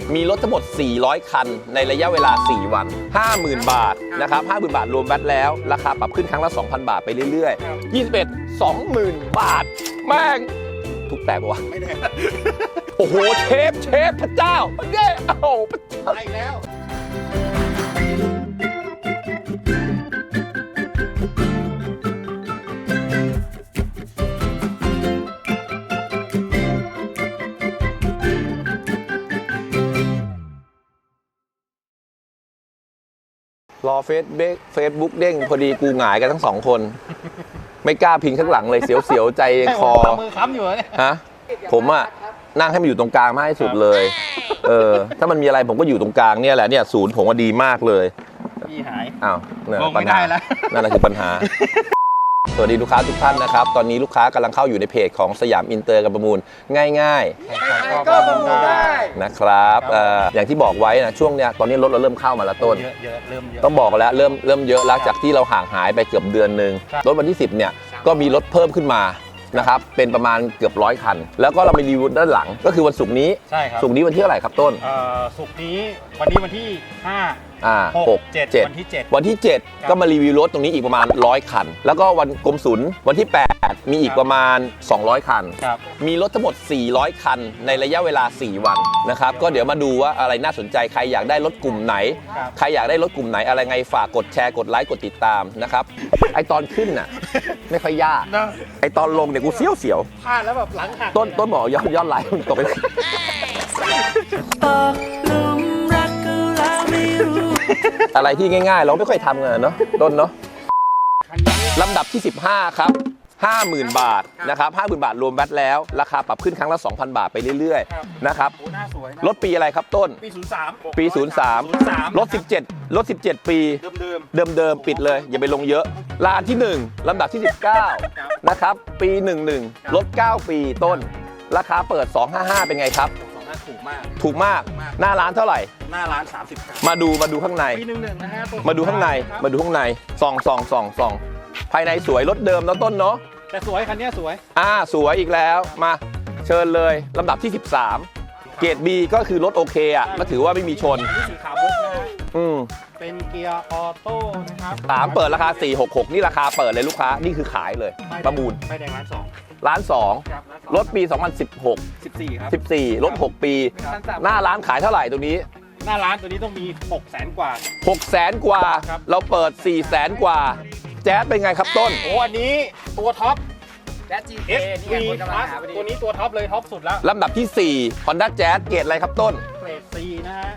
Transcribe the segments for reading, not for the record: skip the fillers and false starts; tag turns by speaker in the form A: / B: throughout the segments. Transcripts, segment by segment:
A: มีรถทั้งหมด400คันในระยะเวลา4วัน 50,000 บาทนะครับ 50,000 บาทรวมแวตแล้วราคาปรับขึ้นครั้งละ 2,000 บาทไปเรื่อยๆ21 20,000 บาทแม่งทุกแตกปะวะไม่ได้โอ้โหเชฟพระเจ้าเย้โอ้โหพระเจ้าอีกแล้วรอเฟซบุ๊กเด้งพอดีกูหงายกันทั้ง2 คนไม่กล้าพิงข้างหลังเลยเสียวๆใจคอ
B: มือค้ำอยู่เนี่ย
A: ฮะผมอะนั่งให้มันอยู่ตรงกลางมากที่สุดเลยถ้ามันมีอะไรผมก็อยู่ตรงกลางเนี่ยแหละเนี่ยศูนย์ผมว่าดีมากเลย
B: พี่หาย
A: อ้าวเนี่ย
B: ปัญหา
A: นั่นแหละคือปัญหาสวัสดีลูกค้าทุกท่านนะครับตอนนี้ลูกค้ากำลังเข้าอยู่ในเพจของสยามอินเตอร์การประมูลง่าย
B: ๆก็ประมูลได้
A: นะครับอย่างที่บอกไว้นะช่วงเนี้ยตอนนี้รถเราเริ่มเข้ามาแล้วต้น
B: เยอะเริ่มเยอะ
A: ต้องบอกแล้วเริ่มเยอะแล้วจากที่เราห่างหายไปเกือบเดือนนึงรถวันที่10เนี่ยก็มีรถเพิ่มขึ้นมานะครับเป็นประมาณเกือบ100 คันแล้วก็เรามีรีวิวด้านหลังก็คือวันศุกร์นี้
B: ใช่ครับ
A: ศุกร์นี้วันที่เท่าไหร่ครับต้น
B: ศุกร์นี้วันที่5 6 7
A: วันที่ 7ก็มารีวิวรถตรงนี้อีกประมาณ100 คันแล้วก็วันกรมศุลวันที่8มีอีกประมาณ200 คันมีรถทั้งหมด400 คันในระยะเวลา4วันนะครับก็เดี๋ยวมาดูว่าอะไรน่าสนใจใครอยากได้รถกลุ่มไหนใครอยากได้รถกลุ่มไหนอะไรไงฝากกดแชร์กดไลค์กดติดตามนะครับไอตอนขึ้นน่ะไม่ค่อยยากไอตอนลงเนี่ยกูเสียว
B: พลาดแล้วแบบหลังหัก
A: ต้นบอกย้อนไลค์ตกไปเลยอะไรที่ง่ายๆเราไม่ค่อยทำกันเนาะต้นเนาะลำดับที่15ครับ 50,000 บาทนะครับ 50,000 บาทรวมแวตแล้วราคาปรับขึ้นครั้งละ 2,000 บาทไปเรื่อยๆนะครับรถปีอะไรครับต้นปี03รถ17ปีเดิมปิดเลยอย่าไปลงเยอะลานที่1ลำดับที่19นะครับปี11รถ9ปีต้นราคาเปิด255เป็นไงครับถูกมากหน้าร้านเท่าไหร่
B: หน้าร้าน30
A: มาดูข้างใน
B: ปี11นะฮะ
A: มาดูข้างในส่องภายในสวยรถเดิมแล้วต้นเนาะ
B: แต่สวยคันนี้สวย
A: สวยอีกแล้วมาเชิญเลยลำดับที่13เกรด B ก็คือรถโอเคอ่ะก็ถือว่าไม่มีชน
B: สีขาวมุกนะเป็นเกียร์ออโต้นะครับ
A: เปิดราคา466นี่ราคาเปิดเลยลูกค้านี่คือขายเลยประมูล
B: ไปแดง
A: ล้าน2รถปี2016
B: ครับ
A: 14รถ6ปีหน้าร้านขายเท่าไหร่ตัวนี้
B: หน้าร้านตัวนี้ต้องมี600,000 กว่า
A: 600,000 กว่าเราเปิด400,000 กว่าแจ๊สเป็นไงครับต้น
B: โอ้อันนี้ตัวท็อปแจ๊ส GT ตัวนี้ตัวท็อปเลยท็อปสุดแล้ว
A: ลำดับที่4 Honda Jazz เกรดอะไรครับต้น
B: เกรด C นะฮะ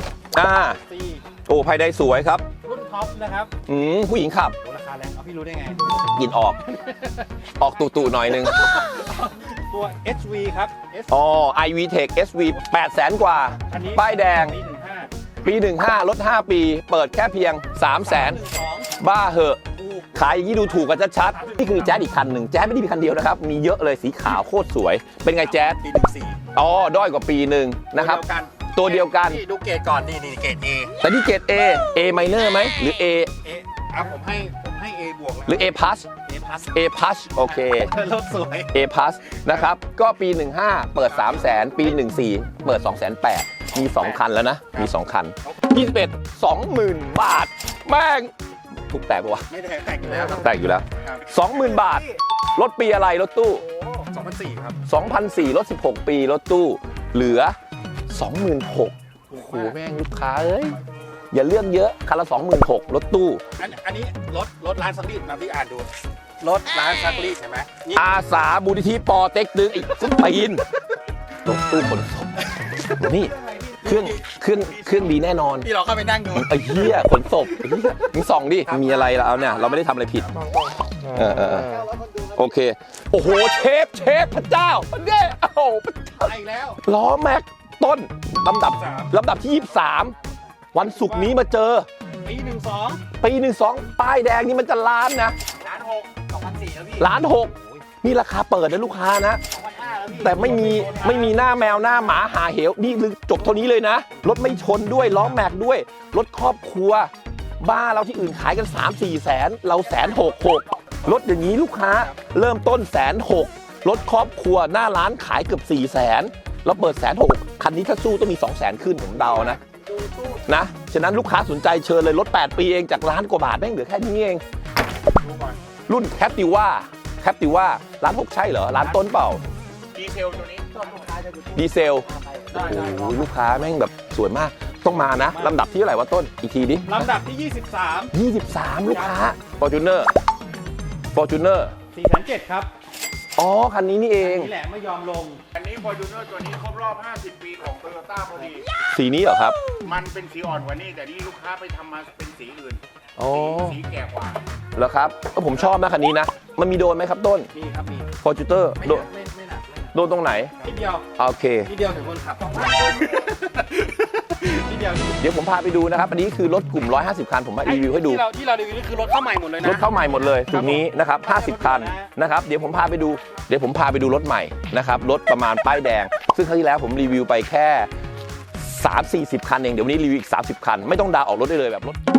A: C โอ้ภายในสวยครับ
B: รุ่นท็อปนะครับ
A: ผู้หญิงขับ
B: ราคาแรงพี่รู้ได้ไง
A: กินออกตู่หน่อยนึง
B: ตัว SV ครับ
A: iV Tech SV 800,000 กว่าป้ายแดงปี15รถ5ปีเปิดแค่เพียง300,000บ้าเหอะขายอย่างนี้ดูถูกกันชัดๆนี่คือแจ๊สอีกคันหนึ่งแจ๊สไม่ได้มีคันเดียวนะครับมีเยอะเลยสีขาวโคตรสวยเป็นไงแจ๊ส
B: ปี14
A: ด้อยกว่าปีหนึ่งนะครับตัวเดียวกัน
B: ดูเกรดก่อนนี่เกรด A
A: แต่นี่เกรด A minor ไหมหรือ A
B: ผมให้ A บวก
A: หรือ A plusโอเค
B: รถสวย
A: A plus นะครับก็ปี15เปิด300,000ปี14เปิด280,000มี2คันแล้วนะมี2คัน21 20,000 บาทแม่งถูกแตกปะวะ
B: ไม่แตกอยู่แล้ว
A: แตกอยู่แล้ว 20,000 บาทรถปีอะไรรถตู้
B: 2004ครับ
A: 2004รถ16ปีรถตู้เหลือ 26,000โอ้โหแม่งลูกค้าเอ้ยอย่าเลือกเยอะคันละ 26,000รถตู้
B: อันนี้รถร้านซักรีดมาพี่อ่านดูรถร้านซักรีดใช่ไหม
A: อาสามูลนิธิปอเต็กตึงอีกสุดปีนรถตู้ขนศพนี่เครื่องดีแน่นอน
B: ที่เราเข้าไปนั่งดู
A: ไอ้เหี้ยขนศพมึงส่องดิมีอะไรล่ะเอาเนี่ยเราไม่ได้ทำอะไรผิดโอเคโอ้โหเชฟพระเจ้าเย้โอ้โห
B: ไปแล้ว
A: ล้อแม็กต้นลำดับที่23วันศุกร์นี้มาเจอปี12ป้ายแดงนี่มันจะล้านนะ
B: 1,600,000
A: แล้วพี่1,600,000นี่ราคาเปิดนะลูกค้านะแต่ไม่มีหน้าแมวหน้าหมาหาเหวนี่จบเท่านี้เลยนะรถไม่ชนด้วยล้อแม็กด้วยรถครอบครัวบ้าเราที่อื่นขายกัน 3-4 แสนเรา160,000รถอย่างนี้ลูกค้าเริ่มต้น160,000รถครอบครัวหน้าร้านขายเกือบ400,000 เราเปิด160,000คันนี้ถ้าสู้ต้องมี 200,000 ขึ้นผมเดานะฉะนั้นลูกค้าสนใจเชิญเลยรถ8ปีเองจากล้านกว่าบาทแม่งเหลือแค่นี้เองรุ่นแคปติว่าร้าน6ใช่เหรอร้านต้นเปล่า
B: ดีเซลตัวนี้
A: ดีเซลโอ้โหลูกค้าแม่งแบบสวยมากต้องมานะลำดับที่เท่าไหร่วะต้นอีกทีดิ
B: ลำดับที่
A: 23 ลูกค้า Fortuner
B: 4,700ครับ
A: อ๋อคันนี้นี่เอง
B: นี่แหละไม่ยอมลง
C: อันนี้ Fortuner ตัวนี้ครบรอบ 50 ปีของ Toyota พอดี
A: สีนี้เหรอครับ
C: มันเป็นสีอ่อนกว่านี้แต่นี่ลูกค้าไปทำมาเป็นสีอื่น
A: อ๋อ
C: สีแก่กว่า
A: เหรอครับผมชอบนะคันนี้นะมันมีโดนไหมครับต้น
B: มีครับมี
A: Fortuner
B: ไม่
A: โด
B: หนั
A: น
B: กไม่หนัก
A: โดนตรงไหน
B: นิดเดียว
A: โอเค
B: นิดเดียวถึงคนขับนิดเดียว
A: เดี๋ยวผมพาไปดูนะครับ อันนี้คือรถกลุ่ม 150 คัน ผมมารีวิวให้ดู
B: ที่เรารีวิวนี่คือรถเข้าใหม่หมดเลยนะ
A: รถเข้าใหม่หมดเลยตรงนี้นะครับ 50 คันนะครับ เดี๋ยวผมพาไปดูรถใหม่นะครับ รถประมาณป้ายแดง ซึ่งครั้งที่แล้วผมรีวิวไปแค่ 30-40 คันเอง เดี๋ยววันนี้รีวิวอีก 30 คัน ไม่ต้องดาวน์ออกรถได้เลยแบบรถ